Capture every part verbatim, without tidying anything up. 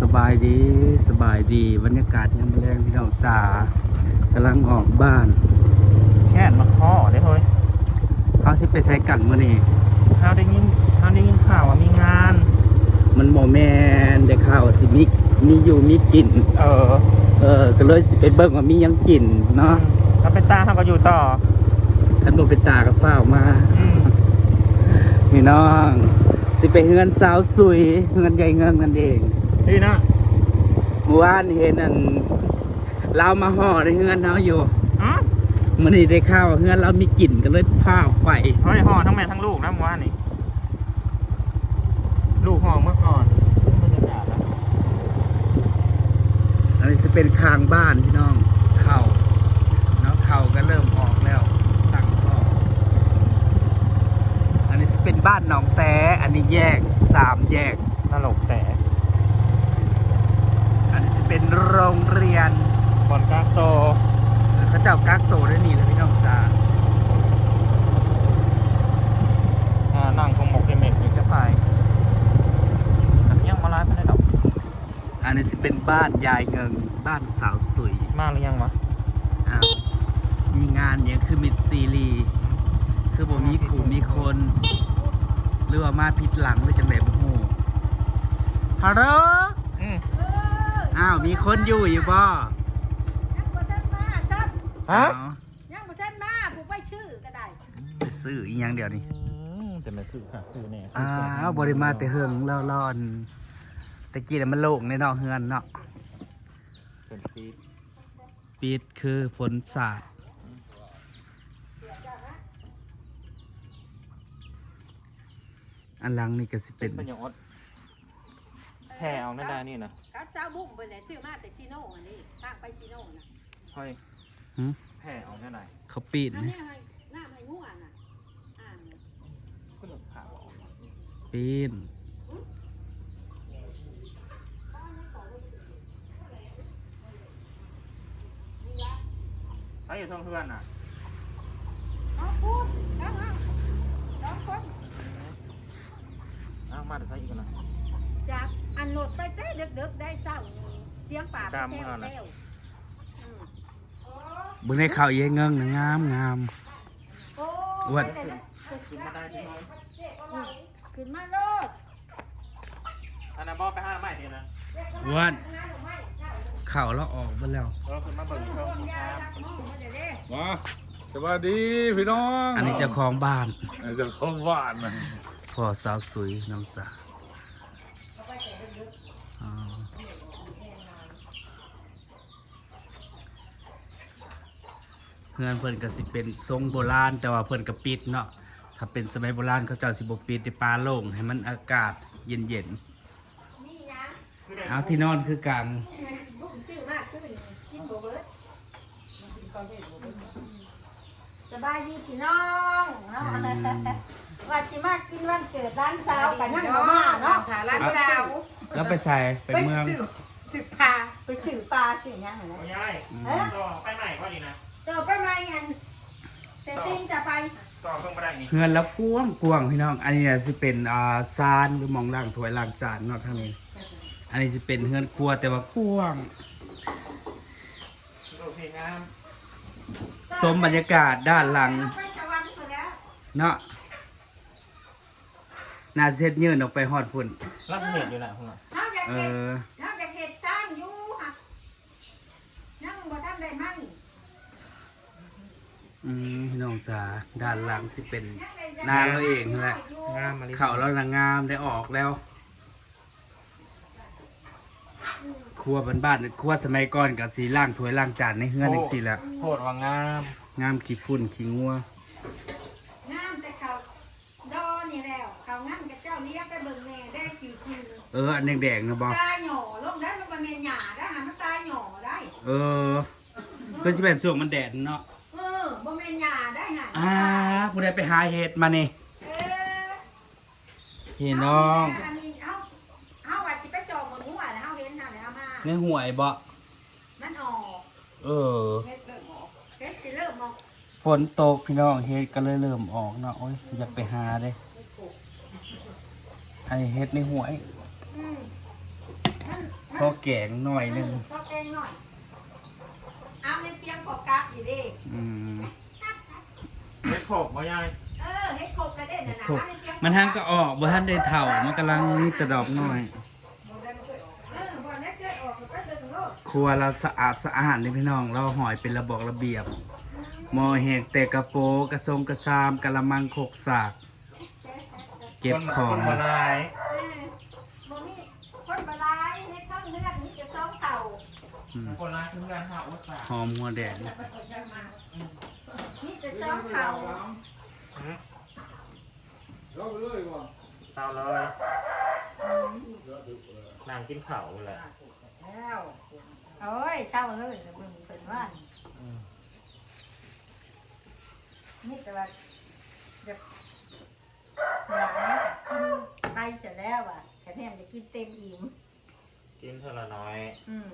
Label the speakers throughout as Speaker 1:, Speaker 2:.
Speaker 1: บายดีสบายดีบรรยากาศยามแรงพี่น้องจ๋ากำลังออกบ้าน
Speaker 2: แค่นมาข้อได้เฮ้ย
Speaker 1: เขาสิไปใช้กันมื้อนี้
Speaker 2: เฮาได้ยินเฮาได้ยินข่าวว่ามีงาน
Speaker 1: มันบ่แม่นได้ข่าวว่าสิมีมีอยู่มีกิน
Speaker 2: เออ
Speaker 1: เออก็เลยสิไปเบิ่งว่ามีหยังกินเนาะ
Speaker 2: ถ้าเป็นตาเฮาก็อยู่ต่อ
Speaker 1: คันบ่เป็นตาก็ฟ้าวมา
Speaker 2: อืม
Speaker 1: พี่น้องสิไปเฮือนสาวสุยเฮือนใหญ่เงิงนั่นเอง
Speaker 2: ดีนะ
Speaker 1: เมื่อวานเห็นนั่นเรามาห่อในเฮือนเฮาอยู่
Speaker 2: อ๋อ
Speaker 1: มื้อนี้ได้ข่าวว่าเฮือนเรามีกลิ่นก็เลยพาออกไป
Speaker 2: เฮ้ยห่อทั้งแม่ทั้งลูกนะเมื่อวานนี่ลูกห่อเมื่อก่อนบรรยากาศแล้ว
Speaker 1: อันนี้จะเป็นคางบ้านพี่น้องเข่าเนาะเข่าก็เริ่มออกแล้วตั้งท่ออันนี้จะเป็นบ้านหนองแต่อันนี้แยกสามแยก
Speaker 2: ตลกแต่
Speaker 1: อันนี้จะเป็นโรงเรียน
Speaker 2: บอนกาโต
Speaker 1: เขาเจ้ากักโตได้นี่เลยพี่น้องจ้า
Speaker 2: อ่านั่งคงหมกเมกอยู่แค่ไฟอันนี้ยังมาไลฟ์ไม่ได้ดอก
Speaker 1: อันนี้จะเป็นบ้านยายเงิงบ้านสาวสวย
Speaker 2: มากหรือยังวะ
Speaker 1: อ้าวมีงานอย่างคือมิดซีรีคือบ่มีขู่มีคนหรือว่ามาผิดหลังหรือจังไหนบ่ฮู้ฮัลโหล
Speaker 2: อืม
Speaker 1: อ้าวมีคนอยู่อยู่บ่
Speaker 3: ยังบ่ทันมาครับ
Speaker 2: ฮะ
Speaker 3: ยังบ่ทันมาผู้ไปชื่อก็ได้
Speaker 1: ไปซื้ออีหยังเดียวนี่
Speaker 2: แต่ไม่คือค่ะคือแน่
Speaker 1: อ้าวบ่ได้มาแต่เฮิงแล้วร้อนตะกี้น่ะมันโล่งในนอกเฮือนเนาะ
Speaker 2: เป็นปีด
Speaker 1: ปิดคือฝนสาดอันหลังนี่ก็สิเป็น
Speaker 2: เป็นอย่างอดแผ่เอาไม่ได้นี่นะ
Speaker 3: กับเจ้าบุ้งเพิ่นน่ะซื้อมาแต่ซีโน่อันนี้ทางไปซีโน่น่ะ
Speaker 2: เฮ้ย
Speaker 1: หึ
Speaker 2: แผ่เอาแค่ไหน
Speaker 1: เขาปิด
Speaker 3: น้ำ
Speaker 1: นะ
Speaker 3: เนี่ยให้น้ำให้งัวน่ะอ่าน
Speaker 2: ก็หลุดขาออก
Speaker 1: ปิด
Speaker 2: ใครอยู่ท้องเพื่อนน่ะ
Speaker 3: เอาพูดเอาเอาสองคน
Speaker 2: อ้าวมาแต่ใส่อีกนะ
Speaker 3: จากอันโหลดไปแต่ดึกๆได้เช้าเสียงป่าไปแถวๆอืม
Speaker 1: เบิ่งในข่าวยายเงิงนะงามงาม
Speaker 3: โอ้
Speaker 1: อ้วน
Speaker 2: ขึ้นมาได้ที่น้อย
Speaker 3: ขึ้นมาโลด
Speaker 2: อันนั้นบอกไปห้าไม้ทีนะ
Speaker 1: อ้วนเข่าแล้วออกไปแล้ว
Speaker 2: เออขึ้นมาเบิ่งเขาสิครับ
Speaker 4: มาสวัสดีพี่น้อง
Speaker 1: อันนี้เจ้าของบ้าน
Speaker 4: เจ้าของบ้านนะ
Speaker 1: พ่อสาวสวยน้องจ๋าอ๋อเพื่อนเพื่อนก็สิเป็นทรงโบราณแต่ว่าเพื่อนก็ปิดเนาะถ้าเป็นสมัยโบราณเขาเจ้าสิบปิดในปลาโล่งให้มันอากาศเย็นเย็นๆเอาที่นอนคือกลาง
Speaker 3: สบายดีพี่น้องเนาะว่าสิมากินวันเกิดร้านสาวกับยังบ่มาเนาะร้านสาว
Speaker 1: แล้วไปใส่ไปเมือง
Speaker 3: สืบปลาไปสืบปลาสืบยังไงนะ
Speaker 2: ไม่ใช่ต่อไปใหม่ก็ดีนะ
Speaker 3: ต่อไปไหมอันแต่ติ้งจะไป
Speaker 2: ต่อเพิ่งมาได้นี่
Speaker 1: เฮือนแล้วกวางกวางพี่น้องอันนี้สิเป็นอ่าซานหรือมองล่างถ้วยล่างจานเนาะทางนี้อันนี้สิเป็นเฮือนครัวแต่ว่ากวาง
Speaker 2: โอเคงาม
Speaker 1: สมบรรยากาศด้านหลังเนาะน่าเซ็ตยืนออกไปฮอดพุ่น
Speaker 2: รักเหตุอยู่ไหนคุณล่ะ
Speaker 1: เอ
Speaker 3: เฮาอยากเห็ด
Speaker 1: อ
Speaker 3: เฮาอยากเห็ดซ่านอยู่ค่ะยังบ่ทันได้มั้ง
Speaker 1: อืมพี่น้องจ๋าด้านหลังสิเป็นนาเราเองนั่นแหละ
Speaker 2: งามมาเลย
Speaker 1: เขาเรานางงามได้ออกแล้วครัวบ้านๆครัวสมัยก่อนกับสีล่างถ้วยล่างจานในเฮือนจังซี่แหละ
Speaker 2: โหดว่างาม
Speaker 1: งามขี้ฝุ่นขี้งัว
Speaker 3: งามแต่เขาดอนี่แล้วเขางั้นกับเจ้าเลี้ยงไปเบิ่งแม่ได้คิวๆ
Speaker 1: เอออันแดงๆนะบ่
Speaker 3: ตาหย่อลงได้มันเป็นหญ้าได้หันมันตาหย่อได้
Speaker 1: เออคือสิเป็นช่วงมันแดดเนาะ
Speaker 3: เออบ่แม่นหญ้าได้หัน
Speaker 1: อ่าผู้ใดไปหาเห็ดมานี่
Speaker 3: เออ
Speaker 1: พี่น้อง
Speaker 3: อันนี้เฮาเฮาว่าสิไปจองบนหัวแล้วเฮาเห็นน่ะแล้วเอามา
Speaker 1: ในห่วยบ่
Speaker 3: มันออก
Speaker 1: เออ
Speaker 3: เฮ็ดเริ่มออกเฮ็ดสิเริ่มออก
Speaker 1: ฝนตกพี่น้องเห็ดก็เลยเริ่มออกเนาะโอ้ยอยากไปหาเด้อันนี้เห็ดในห่วย
Speaker 3: อืมมันมัน
Speaker 1: พอแกงหน่อยหนึง
Speaker 3: พอแกงหน่อยเอาในเตียงพอกราฟอยู่ดิ
Speaker 1: อืม
Speaker 2: ไม่ขบมายาย
Speaker 3: เออเฮ็ดโคกกระเด็นน่ะนะ
Speaker 1: ครบ
Speaker 3: เอาในเตียง
Speaker 1: มันทางก็ออกบ่ทันได้เฒ่ามันกำลังมีแต่ดอกน้อย
Speaker 3: เออบ่ได้เกิดออกก็เดินโลด
Speaker 1: ครัวเราสะอาดสะอาดเลยพี่น้องเราหอยเป็นระบอกระเบียบหม้อแหกแต่กระโปรงกระทรงกระซามกะละมังโคกสาก เก็บของ
Speaker 2: คนมาลาย
Speaker 3: เออบ่มีคนบ่หลายในเพิ่งเลือดมีแต่สองเต่า
Speaker 1: อืม
Speaker 2: คนลายคือการหาอุตสาห
Speaker 1: หอมหัวแดง
Speaker 3: มีแต่สองเต่า
Speaker 4: เราไปเลยว่ะ
Speaker 2: เตาเลยนางกินข้าวแหละ
Speaker 3: แล้วโอ้ยเต่าเลยเบิ่งเพิ่นว่านี่แต่ว่าเดี๋ยวหลายกินไปเสร็จแล้วอ่ะแค่แนมจะกินเต็มอิ่ม
Speaker 2: กินเท่าละน้อย
Speaker 3: อืม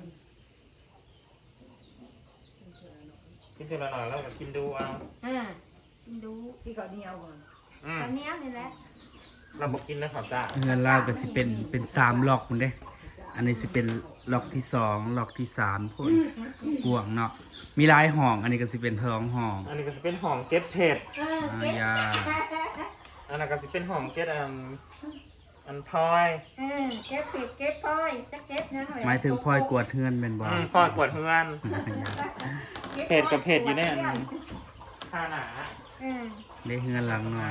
Speaker 2: กินเท่าละน้อยแล้วก็กินดูเอา
Speaker 3: อ่ากินดู
Speaker 5: พี่ก็เหนียวก่อน
Speaker 2: อืม
Speaker 3: ข้าวเหนียวนี่แหละ
Speaker 2: เราบอกกินนะขอบจ้า
Speaker 1: เงินเราก็สิเป็นเป็นสามล็อกมันเด้ อันนี้สิเป็นล็อกที่สองล็อกที่สามพุ่นกวางเนาะมีหลายห้อง อันนี้ก็สิเป็นท้องห้อง
Speaker 2: อันนี้ก็จะเป็นหอมเก็ดเผ็ด
Speaker 3: เออเก็บ
Speaker 1: อ่า
Speaker 2: อันนั้นก็จะเป็นหอมเก็ดอันอันพลอย
Speaker 3: เออเก็บผิดเก็บพลอยจะเก็บนะ
Speaker 1: หมายถึงพลอยกวดเฮือนเป็นบ่
Speaker 2: อืมพลอยกวดเฮือนเผ็ดกับเผ็ดอยู่เนี่ยข้าหนา
Speaker 3: เออ
Speaker 1: ได้เฮือนหลังหน่อย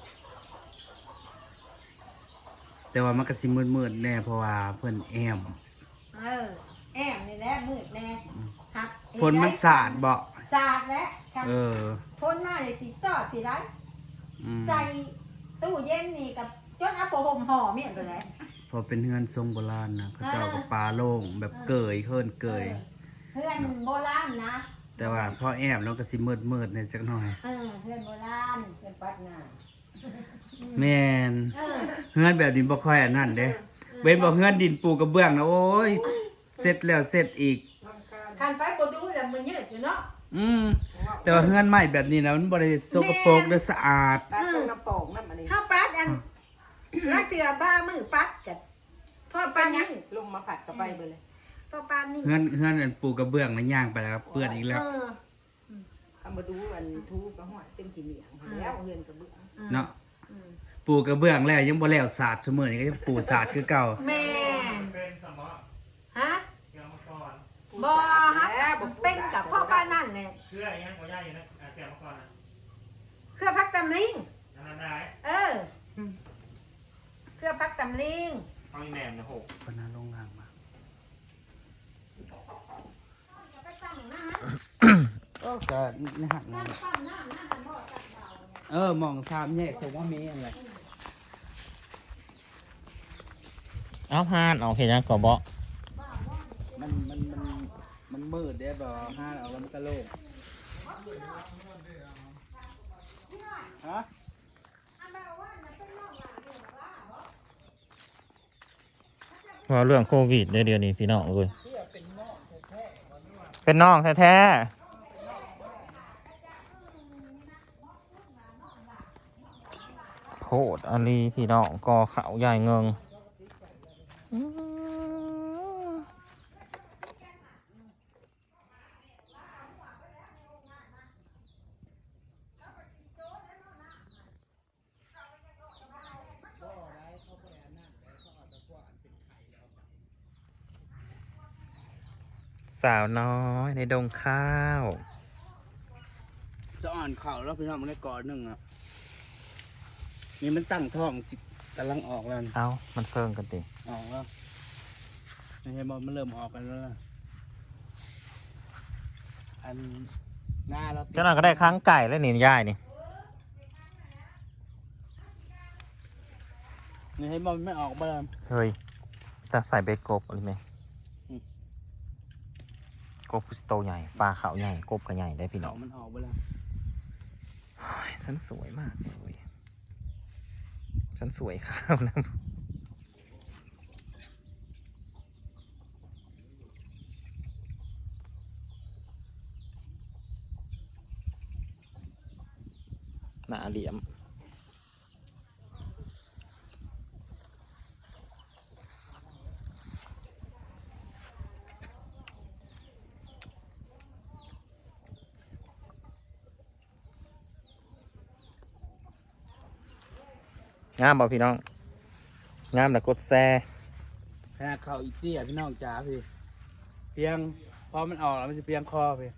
Speaker 1: แต่ว่ามันก็สิมืดๆแน่เพราะว่าเพิ่นแอม
Speaker 3: เออแอมนี่แหละมืดแน่หัก
Speaker 1: ฝนมันสาดบ่
Speaker 3: สาดแล้วครับ
Speaker 1: เออ
Speaker 3: ฝนมาเลยสิสอดพี่ได้
Speaker 1: อืม
Speaker 3: ใส่ตู้เย็นนี่กับจนเอาผ้าห่มห่อเมียนไปแล้ว
Speaker 1: พอเป็นเฮือนทรงโบราณนะเขาเจ้าก็ปลาโล่งแบบเกยเฮิรนเกย
Speaker 3: เพื่อนโบราณนะ
Speaker 1: แต่ว่าพอแอมแล้วก็สิมืดๆในจักหน่อย
Speaker 3: เออเพื่อนโบราณ
Speaker 5: เป็นปัดหน้า
Speaker 1: แม่น
Speaker 3: เออ
Speaker 1: เฮือนแบบดินบ่ค่อยอันนั้นเด้เว้นบ่เฮือนดินปูกระเบื้องนะโอ้ยเสร็จแล้วเสร็จอีก
Speaker 3: คันไปบ่ดูแล้วมันยืดอยู่เนาะ
Speaker 1: อืมแต่ว่าเฮือนใหม่แบบนี้นะมันบ่ได้สกปรกเด้อสะอาด
Speaker 5: ปัดตรงกระโปรงนั่นมันนี่
Speaker 3: ข้าวปัดอันลักเตือบ้ามือปัดกันพ่อปานนี่
Speaker 5: ลุงมาผัดกับไปไปเลย
Speaker 3: พ่อปานนี่
Speaker 1: เฮือนเฮือนอันปูกระเบื้องนะย่างไปแล้วครับเปื้อนอีกแล้ว
Speaker 3: เออ
Speaker 5: เอามาดูอันทูกระหอยเต็มกี่เหลียงแล้วเงินกระเบื้อง
Speaker 1: เนาะปูกระเบื้องแล้วยังบ่แล้วสาดซุมื้อนี้ก็ยังปูสาดคือเก่า
Speaker 3: แม่
Speaker 2: เป็นสมอ
Speaker 3: ฮะ
Speaker 2: เกี่ยวมาก่อน
Speaker 3: บ่ฮะเป็นกับพ่อป้านั่นแหละ
Speaker 2: เชื่อยังหัวใหญ่อยู่นะเกี่ยวมาก่อนนะ
Speaker 3: เครือพักตำลิง
Speaker 2: อันนั้นได้
Speaker 3: เออเครือพักตำลิง
Speaker 2: เอาอีแหนมนะหก
Speaker 1: ปนาลงล่างมา
Speaker 3: ไปตั้งหน้า
Speaker 1: ก็นี่หัก
Speaker 3: ตั้
Speaker 1: นะ
Speaker 3: งตั้งหน้าหน้าบ่ตัดดาวเนี่ย
Speaker 1: เออมองสามแยกผมว่ามีอะไร
Speaker 2: เอาพานเอาเห็นยังก่อบ่
Speaker 1: มันมันมันมันมืดเด้บ่ห้าเอาแล้วมันก็โล่งฮะ
Speaker 3: อันแบบว่าน่ะเป็นน้องหลานเนี่ยว่าบ่
Speaker 2: เพราะเรื่องโควิดเดี๋ยวนี้พี่น้องเลยเป็นน้องแท้ๆโคตรอาลีพี่น้องกอเขาใหญ่เงิงสาวน้อยในดงข้าว
Speaker 1: จะอ่อนเข่าแล้วพี่น้องมันได้ก่อนหนึ่งอ่ะนี่มันตั้งท้องสิกำลังออกแล้วนี่
Speaker 2: เอามันเซิงกันติ
Speaker 1: ออกแล้วไม่ใช่บอลมันเริ่มออกกันแล้วนะอันหน้าเราติ
Speaker 2: เจ้าหน่อยก็ได้ค้างไก่แล้วนี่ย่ายนี่
Speaker 1: นี่ให้บอลไม่ออกบ้าง
Speaker 2: เฮ้ยจะใส่เบ็ดกบอะไรไหม
Speaker 1: อืม
Speaker 2: กบพุสโตใหญ่ปลาขาวใหญ่กบก็ใหญ่ได้พี่
Speaker 1: อ
Speaker 2: น้อ
Speaker 1: อง กมันออกไปแล้ว
Speaker 2: โอ้ยฉันสวยมากเลยฉันสวยข้าวนะหน้าเหลี่ยมงามบ่พี่น้องงามแต่กดแซ่
Speaker 1: ขนาดเขาอีเตี้ยพี่น้องจ๋าพี่เพียงพอมันออกแล้วมันจะเพียงคอพี่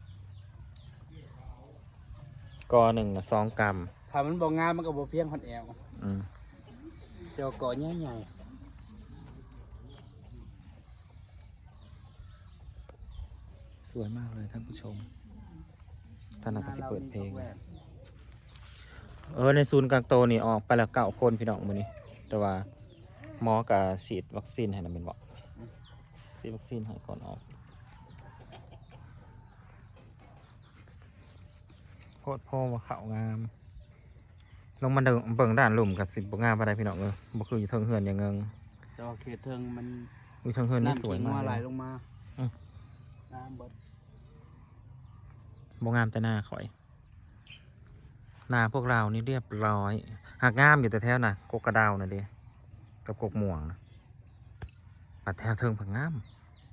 Speaker 2: กอหนึ่งนะสองกรัม
Speaker 1: ถ้ามันบ่งามมันก็บ่เพียงคนแอว
Speaker 2: อืม
Speaker 1: เจ้าก่อใหญ่
Speaker 2: สวยมากเลยท่านผู้ชมท่าน
Speaker 1: ๆ
Speaker 2: นักสิเปิดเพลง
Speaker 1: แหวน
Speaker 2: เออในศูนย์กลางโตนี่ออกไปแล้วเก้าคนพี่น้องมื้อนี้แต่ว่าหมอกับฉีดวัคซีนให้นะเป็นบอกฉีดวัคซีนให้ก่อนออกโคตรโพว่าเขางาม ลงมาเดินเบิ่งด้านหลุมกับสิบบ่งามอะไรพี่น้องเออบ่คืออยู่เทิงเฮือนอย่างเงิง
Speaker 1: แต่ว่าเขตเทิงมัน
Speaker 2: อยู่เทิงเฮือนนี่สวย
Speaker 1: น้ำ
Speaker 2: มาก
Speaker 1: ขิงไหล
Speaker 2: เลย
Speaker 1: ลงมา
Speaker 2: อืม
Speaker 1: น้ำเบิด
Speaker 2: บ่งามแต่หน้าข่อยหน้าพวกเรานี่เรียบร้อยหากงามอยู่แต่แถวน่ะกกกระดาวน่ะเดิกับกกม่วงนะปัดแถวเทิงผักงาม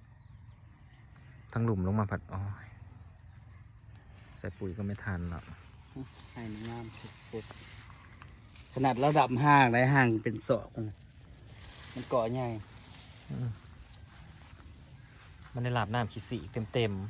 Speaker 2: ทั้งหลุมลงมาผัดอ้อยใส่ปุ๋ยก็ไม่ทันหรอก
Speaker 1: ให้มันงามสุดๆขนาดระดับห้างได้ห้างเป็นศอกมันมันเกาะใหญ่
Speaker 2: มันได้หลาบน้ำขี้สีเต็มเต็ม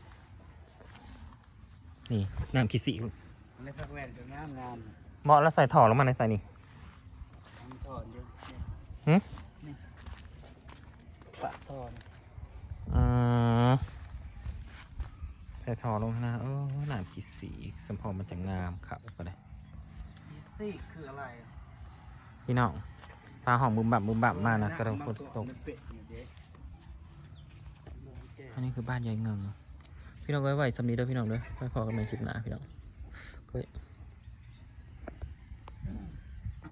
Speaker 2: ๆนี่น้ำขี้สี
Speaker 1: ในพักแว่นก็งามงาม
Speaker 2: เหมาะแล้วใส่ถ่อลงมาในใส่นี่
Speaker 1: มันถอนเยอะ
Speaker 2: หึ
Speaker 1: นี่ปะถอน
Speaker 2: อืมใส่ถ่อลงข้างหน้าเออน้ำขี้สีสัมพอมันจะงามครับก็ได้
Speaker 1: อีซี่คืออะไร
Speaker 2: พี่น้องปลาหอมบุมบั่มบุมบั่มมานะกระโดดฝนตก
Speaker 1: มันเป็ดอยู่เด้
Speaker 2: อันนี้คือบ้านยายเงิงพี่น้องไว้ไว้สำนีเด้อพี่น้องเด้อไว้พอกันในคลิปหน้าพี่น้อง